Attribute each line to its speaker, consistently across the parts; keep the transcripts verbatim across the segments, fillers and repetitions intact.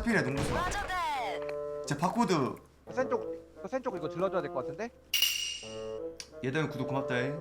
Speaker 1: 카피래 농구수. 제 바코드.
Speaker 2: 센쪽 그 센쪽 이거 질러줘야 될 것 같은데?
Speaker 1: 얘들 구독 고맙다잉.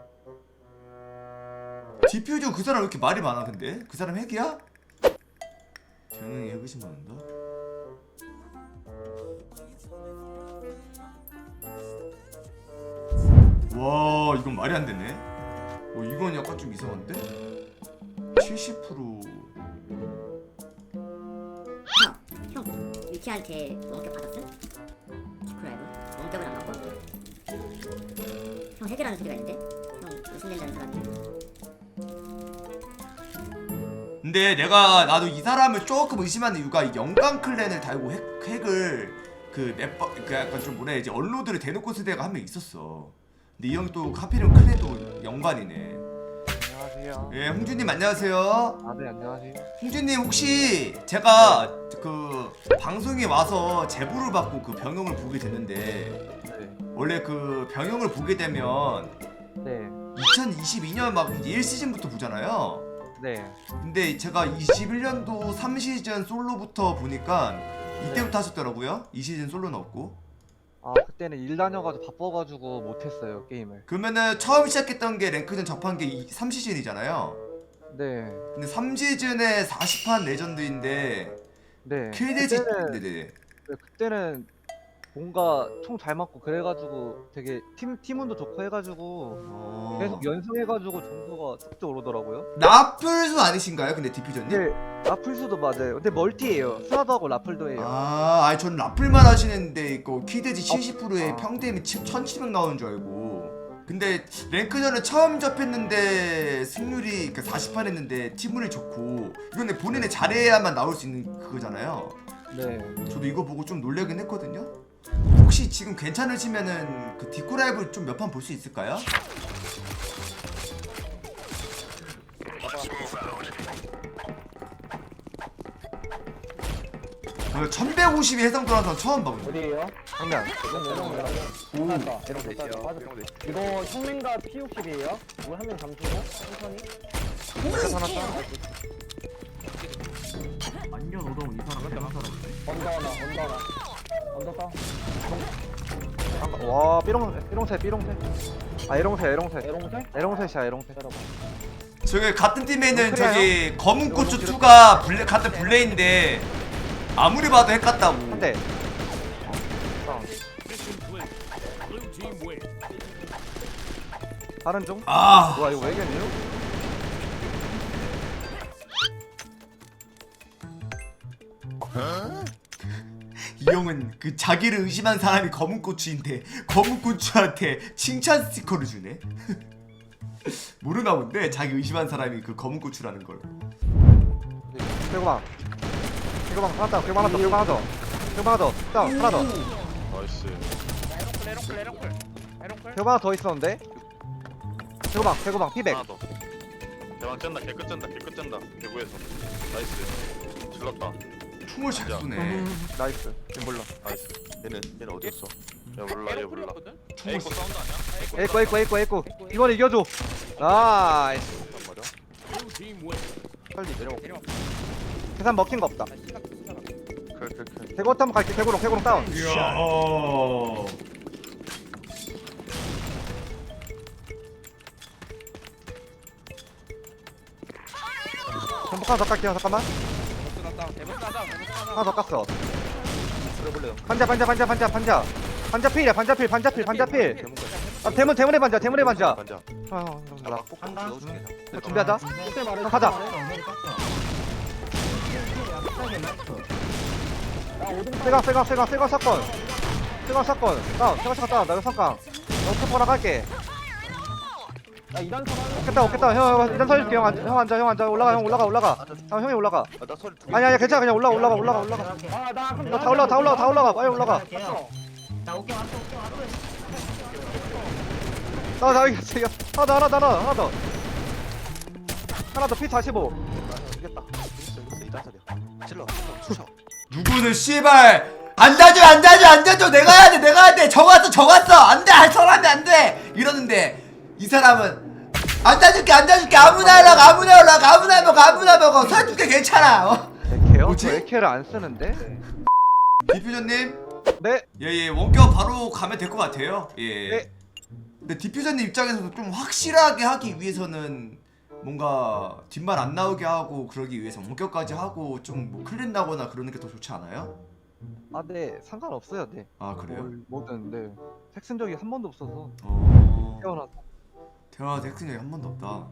Speaker 1: 디퓨저 그 사람 왜 이렇게 말이 많아 근데? 그 사람 핵이야? 병영이 핵의심 받는다? 와 이건 말이 안 되네. 어 이건 약간 좀 이상한데? 칠십 퍼센트.
Speaker 3: 형, 형 위키한테 원격 받았음? 디크라이브? 원격을 안 받고? 형 핵이라는 소리가 있는데? 형 의심된다는 사람이.
Speaker 1: 근데 내가 나도 이 사람을 조금 의심하는 이유가 이 영광 클랜을 달고 핵, 핵을 그 넷버 그 약간 좀 뭐라 해야지 언로드를 대놓고 쓰는 애가 한 명 있었어. 근데 이 형 또 하필이면 클랜도 영관이네.
Speaker 2: 안녕하세요.
Speaker 1: 예, 홍준님 안녕하세요.
Speaker 2: 아, 네, 안녕하세요.
Speaker 1: 홍준님 혹시 제가 그 방송에 와서 제보를 받고 그 병영을 보게 됐는데
Speaker 2: 네.
Speaker 1: 원래 그 병영을 보게 되면
Speaker 2: 네.
Speaker 1: 이천이십이 년 막 일 시즌부터 보잖아요.
Speaker 2: 네.
Speaker 1: 근데 제가 이십일 년도 삼 시즌 솔로부터 보니까 이때부터 하셨더라고요. 이 시즌 솔로는 없고.
Speaker 2: 아, 그때는 일 다녀가지고 바빠가지고 못했어요, 게임을.
Speaker 1: 그러면은 처음 시작했던 게 랭크전 접한 게 삼 시즌이잖아요.
Speaker 2: 네.
Speaker 1: 근데 삼 시즌에 사십 판 레전드인데
Speaker 2: 네.
Speaker 1: 킬대지.
Speaker 2: 그때는,
Speaker 1: 네네.
Speaker 2: 네, 그때는 뭔가 총 잘 맞고 그래가지고 되게 팀, 팀운도 좋고 해가지고
Speaker 1: 어...
Speaker 2: 계속 연승해가지고 점수가 쭉쭉 오르더라고요.
Speaker 1: 라플수 아니신가요? 근데 디퓨저님?
Speaker 2: 네. 라플수도 맞아요. 근데 멀티예요. 스나도 하고 라플도 해요.
Speaker 1: 아, 아니 전 라플만 하시는데 이거 킬대지 칠십 퍼센트에
Speaker 2: 아.
Speaker 1: 평대임이 천칠백 나오는 줄 알고. 근데 랭크전을 처음 접했는데 승률이 그러니까 사십 판 했는데 팀운이 좋고 이건 근데 본인이 잘해야만 나올 수 있는 그거잖아요.
Speaker 2: 네.
Speaker 1: 저도 이거 보고 좀 놀라긴 했거든요. 혹시 지금 괜찮으시면은 그 디코 라이브 좀 몇 판 볼 수 있을까요? 어, 천백오십이 해상 돌아서 처음 봐.
Speaker 4: 어디에요?
Speaker 2: 장면.
Speaker 4: 오, 이거 형맨과 피 육십이에요? 이거 한 명 잠수고 천천히.
Speaker 5: 완전 오동 이 사람 대한 사람이네.
Speaker 4: 언더 하나, 언더 하나. 언더 다운.
Speaker 2: 잠깐. 와, 삐롱, 삐롱새, 삐롱새. 아, 에롱새, 에롱새.
Speaker 4: 에롱새?
Speaker 2: 에롱새시야, 에롱새.
Speaker 1: 저기 같은 팀에 있는
Speaker 2: 어, 그래요?
Speaker 1: 저기 검은 고추 이가 블레, 같은 블레인데 아무리 봐도 핵 같다고.
Speaker 2: 한 대. 다른 중?
Speaker 1: 아,
Speaker 2: 와, 이거 왜 이겼니?
Speaker 1: 이 형은 그 자기를 의심한 사람이 검은 고추인데 검은 고추한테 칭찬 스티커를 주네. 모르나 본데 자기 의심한 사람이 그 검은 고추라는 걸.
Speaker 2: 개구방. 개구방 하나 더, 개구방 하나 더, 개구방 하나 더. 개구방 하나 더, 다운, 하나 더.
Speaker 6: 나이스.
Speaker 7: 에롱클 에롱클 에롱클
Speaker 2: 개구방 하나 더 있었는데? 개구방, 개구방, 피백.
Speaker 6: 하나 더. 대왕 짠다. 개끝 짠다. 개끝 짠다. 개구에서. 나이스. 질렀다.
Speaker 1: 총을 잘
Speaker 6: 진짜.
Speaker 1: 쏘네.
Speaker 2: 나이스. 얘 몰라.
Speaker 6: 나이스. 얘는 얘는 어디였어? 야 몰라. 얘 몰라.
Speaker 1: 총을
Speaker 6: 에이코 사운드 아니야?
Speaker 2: 에이코, 에이코, 에이코, 에이코. 이번 이겨줘. 나이스.
Speaker 6: 단 말이야?
Speaker 2: 빨리 내려먹게. 계산 먹힌 거 없다.
Speaker 6: 클클클.
Speaker 2: 개구 한번 갈게. 개구롱, 개구롱 다운.
Speaker 1: 이야.
Speaker 2: 전복 하나 더 깎게요. 잠깐만. 하나 더 깎어. 반자, 반자, 반자, 반자, 반자. 반자 필이야. 반자 필, 반자 필, 반자 필. 아, 대문, 대문의 반자, 대문의 반자.
Speaker 6: 반자.
Speaker 2: 아, 형, 형, 나
Speaker 5: 한가?
Speaker 2: 형, 준비하자. 형, 가자. 세강, 세강, 세강, 세강 사건. 세강 사건. 다운, 세강 사건 다운. 나 이거 사건. 나 오케퍼라 갈게.
Speaker 4: 나 이단 선 하는
Speaker 2: 오겠다, 오겠다. 형, 형, 일단 서줄게. 형, 앉아, 형 앉아, 형 앉아. 올라가, 형 올라가, 올라가. 형, 형이 올라가.
Speaker 6: 아나 소리 두
Speaker 2: 아니, 아니, 괜찮아. 그냥 올라가, 올라가, 올라가, 올라가.
Speaker 4: 아, 나 그럼
Speaker 2: 다 올라가, 다 올라가, 다 올라가. 빨리 올라가.
Speaker 5: 나 오케이 왔어 오케이 왔어.
Speaker 2: 나, 나 이겼어, 이겼어. 하나 더, 하나 더, 하나 더, 하나 더. 하나 더, 피 사십오.
Speaker 6: 이겼다. 이겼어 이겼어. 이단 소리야. 질러. 쳐.
Speaker 1: 누구는 씨발 안 다줘 안 다줘 안 다줘 내가 해야 돼 내가 해야 돼 적었어 적었어 안돼 할 사람이 안돼 이러는데 이 사람은 안 다줄게 안 다줄게 아무나 하라고 아무나 하라고 아무나 먹어 아무나 먹어 사줄게 괜찮아 어?
Speaker 2: 에케요?
Speaker 1: 뭐지?
Speaker 2: 저 에케를 안 쓰는데?
Speaker 1: 디퓨저님
Speaker 2: 네.
Speaker 1: 예예 원격 바로 가면 될 것 같아요. 예.
Speaker 2: 네.
Speaker 1: 근데 디퓨저님 입장에서도 좀 확실하게 하기 위해서는 뭔가 뒷말 안 나오게 하고 그러기 위해서 원격까지 하고 좀 뭐 클린 나거나 그러는 게 더 좋지 않아요?
Speaker 2: 아, 네. 상관없어요. 네.
Speaker 1: 아 그래요?
Speaker 2: 뭘 뭐든 네. 택 쓴 적이 한 번도 없어서
Speaker 1: 어.
Speaker 2: 태어나서.
Speaker 1: 태어나서 핵 쓴 적이 한 번도 없다. 어?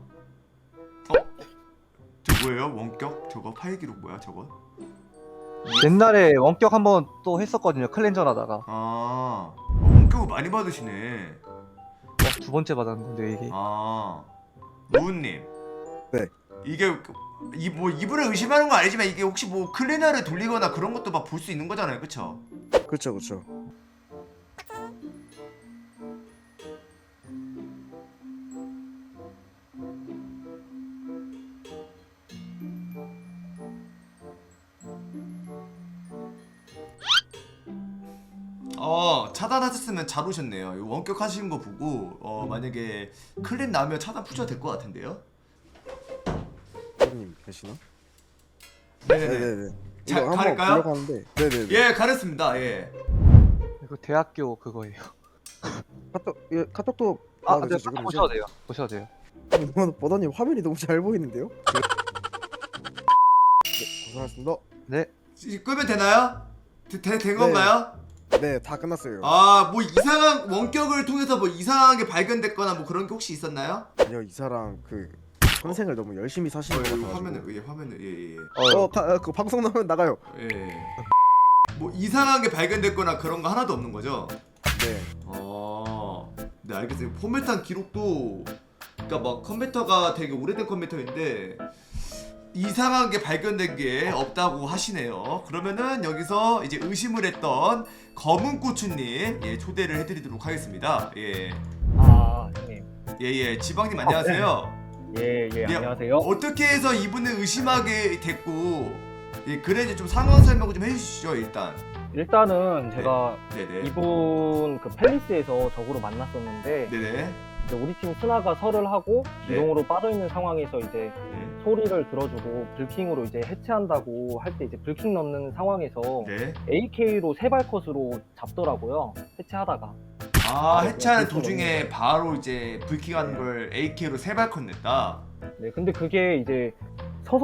Speaker 1: 저 뭐예요? 원격? 저거 파일 기록 뭐야 저거?
Speaker 2: 옛날에 원격 한 번 또 했었거든요. 클렌저 하다가.
Speaker 1: 아 어, 원격을 많이 받으시네.
Speaker 2: 어, 두 번째 받았는데 이게.
Speaker 1: 아 노우님.
Speaker 8: 네.
Speaker 1: 이게 이 뭐 이분을 의심하는 건 아니지만 이게 혹시 뭐 클리너를 돌리거나 그런 것도 막 볼 수 있는 거잖아요, 그렇죠?
Speaker 8: 그쵸 그쵸.
Speaker 1: 어 차단하셨으면 잘 오셨네요. 이거 원격 하시는 거 보고 어 만약에 클린 나면 차단 푸셔도 될 것 같은데요?
Speaker 8: 선생님 계시나?
Speaker 1: 네네네.
Speaker 8: 네네네.
Speaker 1: 자,
Speaker 8: 이거 한번
Speaker 1: 가릴까요?
Speaker 8: 보려고 하는데. 네네네.
Speaker 1: 예 가렸습니다. 예.
Speaker 2: 이거 대학교 그거예요.
Speaker 8: 카톡 예, 카톡도
Speaker 2: 아,
Speaker 8: 받아도
Speaker 2: 네.
Speaker 8: 되죠,
Speaker 2: 한번
Speaker 8: 그러죠?
Speaker 2: 보셔도 돼요. 보셔도 돼요.
Speaker 8: 너무 버더님 화면이 너무 잘 보이는데요? 네, 고생하셨습니다.
Speaker 2: 네.
Speaker 1: 이제 끄면 되나요? 되, 되, 된 건가요?
Speaker 8: 네, 다 끝났어요.
Speaker 1: 아 뭐 이상한 원격을 통해서 뭐 이상한 게 발견됐거나 뭐 그런 게 혹시 있었나요?
Speaker 8: 아니요, 이 사람 그 평생을 너무 열심히
Speaker 1: 어,
Speaker 8: 사시는 것
Speaker 1: 여기
Speaker 8: 같아가지고.
Speaker 1: 화면을 예 화면을 예예 예.
Speaker 8: 어, 가, 어, 그 방송 나오면 나가요.
Speaker 1: 예. 뭐 이상한 게 발견됐거나 그런 거 하나도 없는 거죠?
Speaker 8: 네.
Speaker 1: 어, 네 알겠어요. 포맷한 기록도 그러니까 막 컴퓨터가 되게 오래된 컴퓨터인데 이상한 게 발견된 게 없다고 하시네요. 그러면은 여기서 이제 의심을 했던 검은 고추님 예 초대를 해드리도록 하겠습니다. 예.
Speaker 4: 아 형님.
Speaker 1: 예예 지방님 안녕하세요.
Speaker 4: 예예
Speaker 1: 예,
Speaker 4: 안녕하세요.
Speaker 1: 어떻게 해서 이분을 의심하게 됐고 예 그래 이제 좀 상황 설명을 좀 해주시죠 일단.
Speaker 4: 일단은 제가
Speaker 1: 네네.
Speaker 4: 이분 그 팰리스에서 적으로 만났었는데
Speaker 1: 네네.
Speaker 4: 이제 우리 팀 스나가 설을 하고
Speaker 1: 네.
Speaker 4: 기동으로 빠져 있는 상황에서 이제
Speaker 1: 네.
Speaker 4: 소리를 들어주고 불킹으로 이제 해체한다고 할 때 이제 불킹 넣는 상황에서
Speaker 1: 네.
Speaker 4: 에이케이로 세발컷으로 잡더라고요. 해체하다가.
Speaker 1: 아
Speaker 4: 아,
Speaker 1: 해체하는
Speaker 4: 네,
Speaker 1: 도중에
Speaker 4: 네.
Speaker 1: 바로 이제 불킹하는
Speaker 4: 네.
Speaker 1: 걸 에이케이로 세발컷 냈다.
Speaker 4: 네, 근데 그게 이제 서서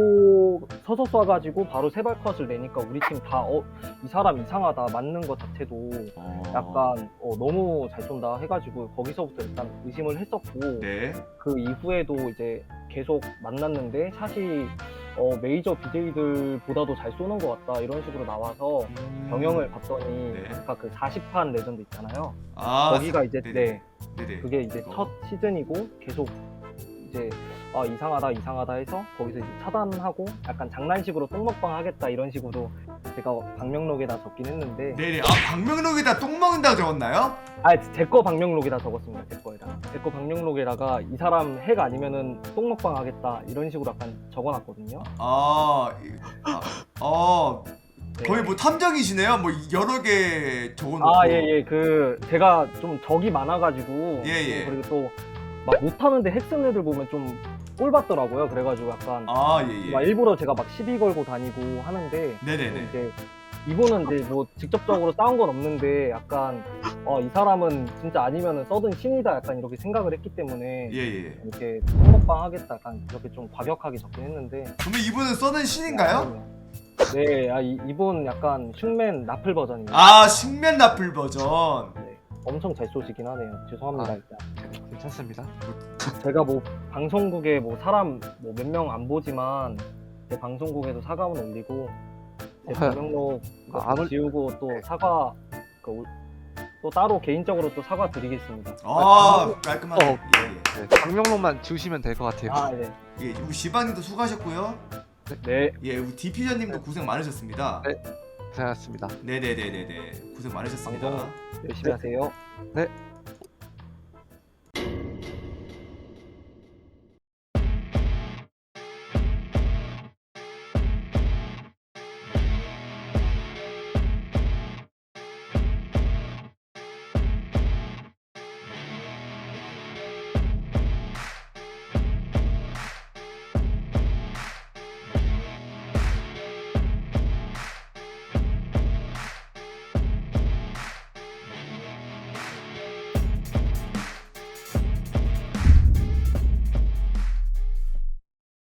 Speaker 4: 쏘 서서 쏴가지고 바로 세발컷을 내니까 우리 팀 다 어 이 사람 이상하다 맞는 것 자체도
Speaker 1: 어...
Speaker 4: 약간 어, 너무 잘 쏜다 해가지고 거기서부터 일단 의심을 했었고
Speaker 1: 네.
Speaker 4: 그 이후에도 이제 계속 만났는데 샷이 어, 메이저 비제이들보다도 잘 쏘는 것 같다 이런 식으로 나와서
Speaker 1: 음...
Speaker 4: 경영을 봤더니
Speaker 1: 네.
Speaker 4: 아까 그 사십 판 레전드 있잖아요.
Speaker 1: 아
Speaker 4: 거기가 이제
Speaker 1: 네네.
Speaker 4: 네
Speaker 1: 네네.
Speaker 4: 그게 이제
Speaker 1: 그거.
Speaker 4: 첫 시즌이고 계속 이제 아 이상하다 이상하다 해서 거기서 이제 차단하고 약간 장난식으로 똥먹방 하겠다 이런 식으로 제가 방명록에다 적긴 했는데
Speaker 1: 네네. 아 방명록에다 똥 먹는다고 적었나요?
Speaker 4: 아제 거 방명록에다 적었습니다. 제 거에다 제 거 방명록에다가 이 사람 핵 아니면은 똥먹방 하겠다 이런 식으로 약간 적어놨거든요.
Speaker 1: 아, 이- 아, 어
Speaker 4: 네.
Speaker 1: 거의 뭐 탐정이시네요. 뭐 여러 개 적어놓고.
Speaker 4: 아 예 예 그 제가 좀 적이 많아가지고
Speaker 1: 예, 예.
Speaker 4: 그리고 또 막 못하는데 핵 쓰는 애들 보면 좀 꼴받더라고요. 그래가지고 약간
Speaker 1: 아 예예.
Speaker 4: 막 일부러 제가 막 시비 걸고 다니고 하는데
Speaker 1: 네네네.
Speaker 4: 이제 이분은 이제 뭐 직접적으로 싸운 건 없는데 약간 어, 이 사람은 진짜 아니면은 써든 신이다 약간 이렇게 생각을 했기 때문에
Speaker 1: 예예.
Speaker 4: 이렇게 똥먹방 하겠다 약간 이렇게 좀 과격하게 적긴 했는데
Speaker 1: 그러면 이분은 써는 신인가요?
Speaker 4: 네, 아, 이, 이분 약간 흉맨 나플 버전이에요.
Speaker 1: 아 식면 나플 버전.
Speaker 4: 네, 엄청 잘 쏘시긴 하네요. 죄송합니다
Speaker 2: 아.
Speaker 4: 일단.
Speaker 2: 괜찮습니다.
Speaker 4: 제가 뭐 방송국에 뭐 사람 뭐 몇 명 안 보지만 제 방송국에도 사과문 올리고 제
Speaker 2: 아,
Speaker 4: 방명록 이거
Speaker 2: 아, 안 올-
Speaker 4: 지우고 또 사과 그 올- 또 따로 개인적으로 또 사과 드리겠습니다.
Speaker 1: 아 깔끔하게.
Speaker 2: 어.
Speaker 1: 예예.
Speaker 2: 네. 방명록만 지우시면 될 것 같아요.
Speaker 4: 아 네.
Speaker 1: 예, 우리 지방님도 수고하셨고요.
Speaker 4: 네.
Speaker 1: 예, 우리 디피저님도 고생 많으셨습니다.
Speaker 2: 네. 고생하셨습니다.
Speaker 1: 네네네네네 고생 많으셨습니다.
Speaker 4: 방송 열심히 하세요.
Speaker 2: 네.